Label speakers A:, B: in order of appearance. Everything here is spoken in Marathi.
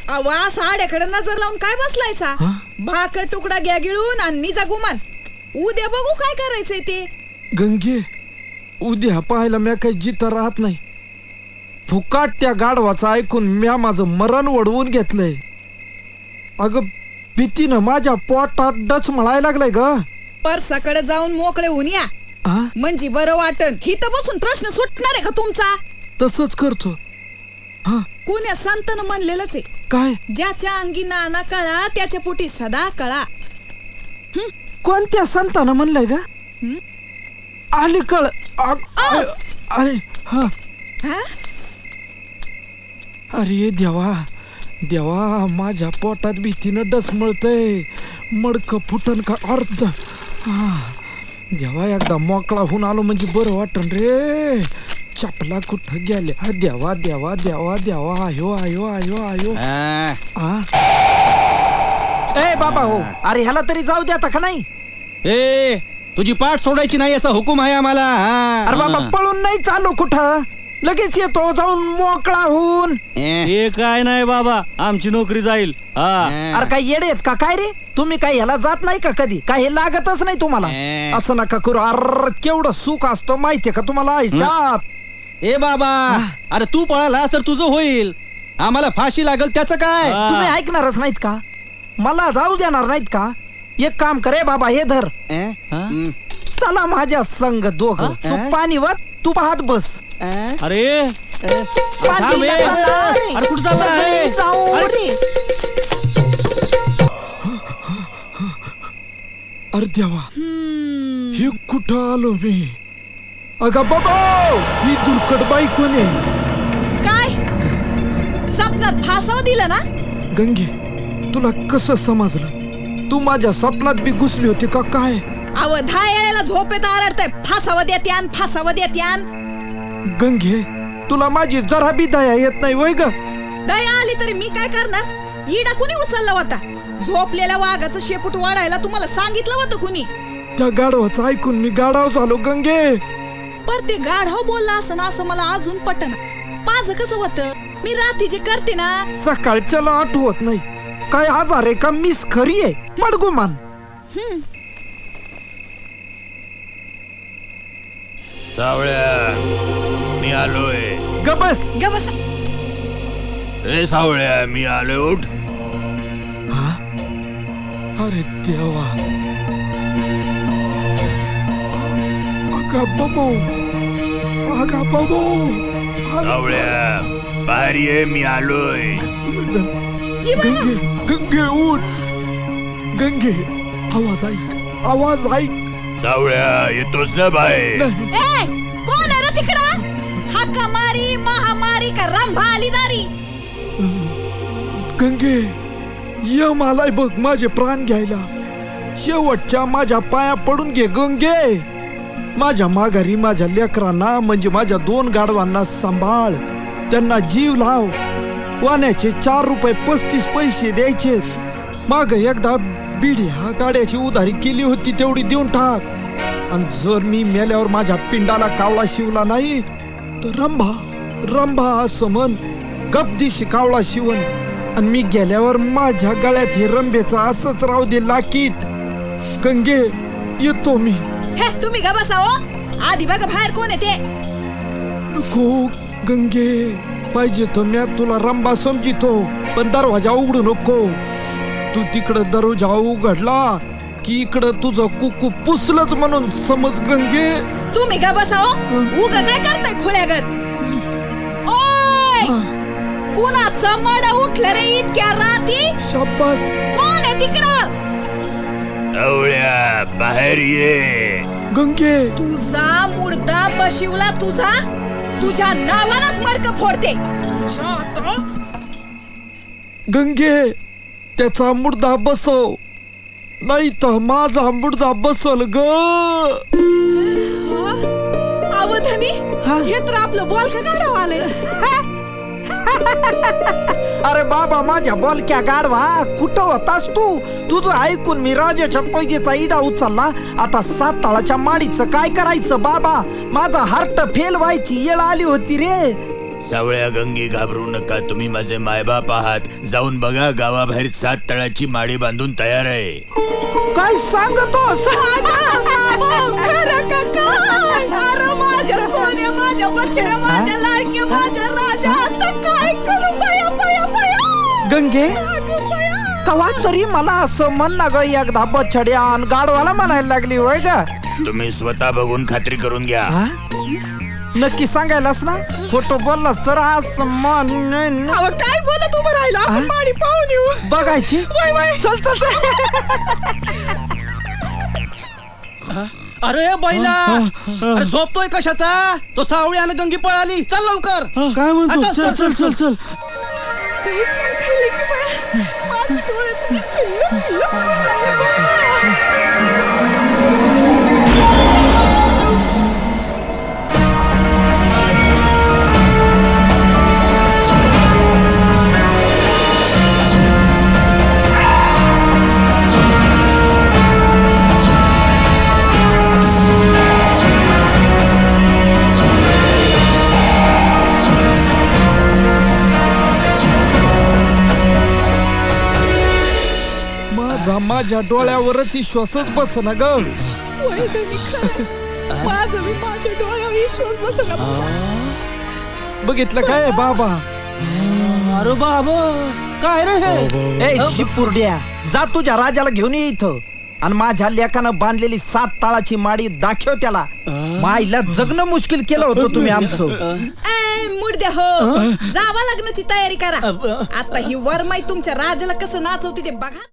A: आवा साड्याकडे नजर लावून काय बसलायचा? भाकर तुकडा घ्या गिळून आणि निजा गुमान. उद्या बघू काय करायचंय ते.
B: गंगे, उद्या पाहायला म्या काही जिथं राहत नाही. फुकाट त्या गाढवाचं ऐकून म्या माझं मरण वडवून घेतलंय. अगं भीतीनं माझ्या पोटात डच म्हणायला लागलाय ग.
A: परसाकडे जाऊन मोकळे होऊन या, म्हणजे बरं वाटन. हिथं बसून प्रश्न सुटणार आहे का तुमचा?
B: तसंच करतो.
A: कोण्या संतानं म्हणलेलंच आहे,
B: काय?
A: ज्याच्या अंगी नाना कळा त्याच्या पोटी सदा कळा.
B: कोणत्या संतानं म्हणलंय ग? अलीकड अरे अरे देवा देवा, माझ्या पोटात भीतीनं डसमळतय. मडक फुटन का अर्थ. देवा, एकदा मोकळा होऊन आलो म्हणजे बरं वाटन रे. चपला कुठं गेल्या? देवा देवा देवा देवा. आयो आयो आयो आयो. ए बाबा हो, अरे ह्याला तरी जाऊ द्या का नाही?
C: ए, तुझी पाठ सोडायची नाही असा हुकूम आहे आम्हाला.
B: अरे बाबा, पळून नाही चालू कुठं, लगेच येतो जाऊन मोकळा होऊन.
C: हे काय नाही बाबा, आमची नोकरी जाईल.
B: अरे काय येडे आहेत का काय रे तुम्ही? काय ह्याला जात नाही का कधी? काय हे लागतच नाही तुम्हाला? असं नका करू. अरे केवढं सुख असतो माहितीये का तुम्हाला ह्याच्यात?
C: ए बाबा, अरे तू पळालास तर तुझं होईल, आम्हाला फाशी लागल त्याचं काय?
B: तुम्ही ऐकणारच नाहीत का? मला जाऊ देणार नाहीत का? एक काम करे बाबा, हे धर. चला माझ्या संग दोघ. तू पाणी वर, तू पाहत बस.
C: अरे अरे कुठं चाललाय?
B: अरे देवा, हे कुठं आलो मी? अगं बाबा, ही दुर्कट बाई कोण आहे?
A: काय स्वप्नात फासाव दिलं ना?
B: गंगे, तुला कसं समजलं? तू माझ्या स्वप्नात बी घुसली होती का काय?
A: अव 10 वेळेला झोपेत आरडतय, फासावं देत्यान फासावं देत्यान.
B: गंगे, तुला माझी जरा बी दया येत नाही वय ग?
A: दया आली तरी मी काय करणार? इडा कुणी उचलला होता? झोपलेल्या वाघाचं शेपूट वाढायला तुम्हाला सांगितलं होतं कुणी?
B: त्या गाढवाचं ऐकून मी गाढव झालो गंगे.
A: पर ते गाढव बोलला असं ना, असं मला अजून पटना. माझं कसं होतं, मी रात्री जे करते ना,
B: सकाळच्याला आठवत नाही. काय आजार आहे का? मिस खरी आहे मडगुमान.
D: सावळ्या, मी आलोय.
B: गबस
A: गबस.
D: ए सावळ्या, मी आलोय, उठ.
B: अरे देवा. अगा बाबू, अगा बाबू.
D: सावळ्या, बाहेर ये, मी आलोय.
B: गंगे, गंगे उठ. गंगे, आवाज ऐक, आवाज ऐक.
D: सावळ्या, येतोस ना बाहेर?
A: ए, कोण आहे रे तिकडं? हाका मारी महामारी का रंभा आली दारी?
B: गंगे, यम आलाय बघ माझे प्राण घ्यायला. शेवटच्या माझ्या पाया पडून घे गंगे. माझ्या माघारी माझ्या लेकरांना, म्हणजे माझ्या 2 गाढवांना सांभाळ. त्यांना जीव लाव. वाण्याचे 4 रुपये 35 पैसे द्यायचे. माग एकदा बिड्या गाड्याची उधारी केली होती, तेवढी देऊन टाक. आणि जर मी मेल्यावर माझ्या पिंडाला कावळा शिवला नाही तर रंभा रंभा असं म्हण. गपदिशी कावळा शिवण. आणि मी गेल्यावर माझ्या गळ्यात हे रंभेचं असंच राहू दे लाकीट. गंगे, येतो मी.
A: हे तुम्ही गा बसाओ. आधी बघा बाहेर कोण आहे ते.
B: नको गंगे, पाहिजे तर मी तुला रंभा समजितो, पण दरवाजा उघडू नको. तू तिकडं दरवाजा उघडला की इकडं तुझं कुकू पुसलंच म्हणून समज गंगे.
A: तुम्ही गा बसाओ. उगा काय करताय खुळ्यागत? ओय, कुणाचं मड उठलं रे इतक्या राती?
B: शाबास.
A: कोण आहे तिकडं?
D: सावळ्या, बाहेर ये.
B: गंगे,
A: तुझा मुर्दा बशिवला तुझा, तुझ्या नावानच मडकं फोडते.
B: गंगे, त्याचा मुर्दा बसव, नाही तर माझा मुर्दा बसल ग.
A: अवधनी, हे तर आपलं बॉल का गाडव आलंय.
B: अरे बाबा, माझ्या बोलक्या गाढवा, कुठं होतास तू? तुझं ऐकून मी राजाच्या पैजेचा इडा उचलला. आता 7 ताळाच्या माडीचं काय करायचं बाबा? माझा हार्ट फेल व्हायची येळ आली होती रे.
D: सावळ्या गंगे घाबरू नका, तुम्ही माझे मायबाप आहात. जाऊन बघा, गावाबाहेर 7 तळाची माडी बांधून तयार आहे.
B: काय सांगतोस?
A: खरं का काय? अरे माझ्या सोन्या, माझ्या बछड्या, माझ्या लाडक्या, माझ्या राजा, आता काय करू बया बया बया?
B: गंगे
A: अगं बया.
B: कवा तरी मला असं म्हण ना ग, एकदा बछड्या आणि गाढवाला म्हणायला लागली होय का?
D: तुम्ही स्वतः बघून खात्री करून घ्या.
B: नक्की सांगायलास ना? खोटं बोललास तर असं म्हण.
A: अहो, काय बोलत उभं राहिलो आपण, माडी पाहून येऊ.
B: बघायची
A: वय वय.
B: चल चल चल.
C: अरे बैला, अरे झोपतोय कशाचा? तो सावळी आणि गंगी पळाली, चल लवकर.
B: काय म्हणतो?
C: चल, चल, चल, चल, चल.
A: काहीच नाही खाल्लं की बया. माझी डोळ्यात नुसतं लुक लुक लागले बया.
B: माझ्या डोळ्यावरच विश्वासच बसना ग.
A: वय धनी खरं. माझं मी माझ्या डोळ्यावर विश्वास बसला.
B: बघितलं काय बाबा?
C: अरे बाबा, काय रे हे?
B: ए शिपुर्ड्या, जा तुझ्या राजाला घेऊन ये इथं आणि माझ्या लेकानं बांधलेली 7 ताळाची माडी दाखव त्याला. माईला जगणं मुश्किल केलं होतं तुम्ही आमचं.
A: मुडद्या हो, जावा लग्नाची तयारी करा. आता ही वरमाई तुमच्या राजाला कसं नाचवते ते बघा.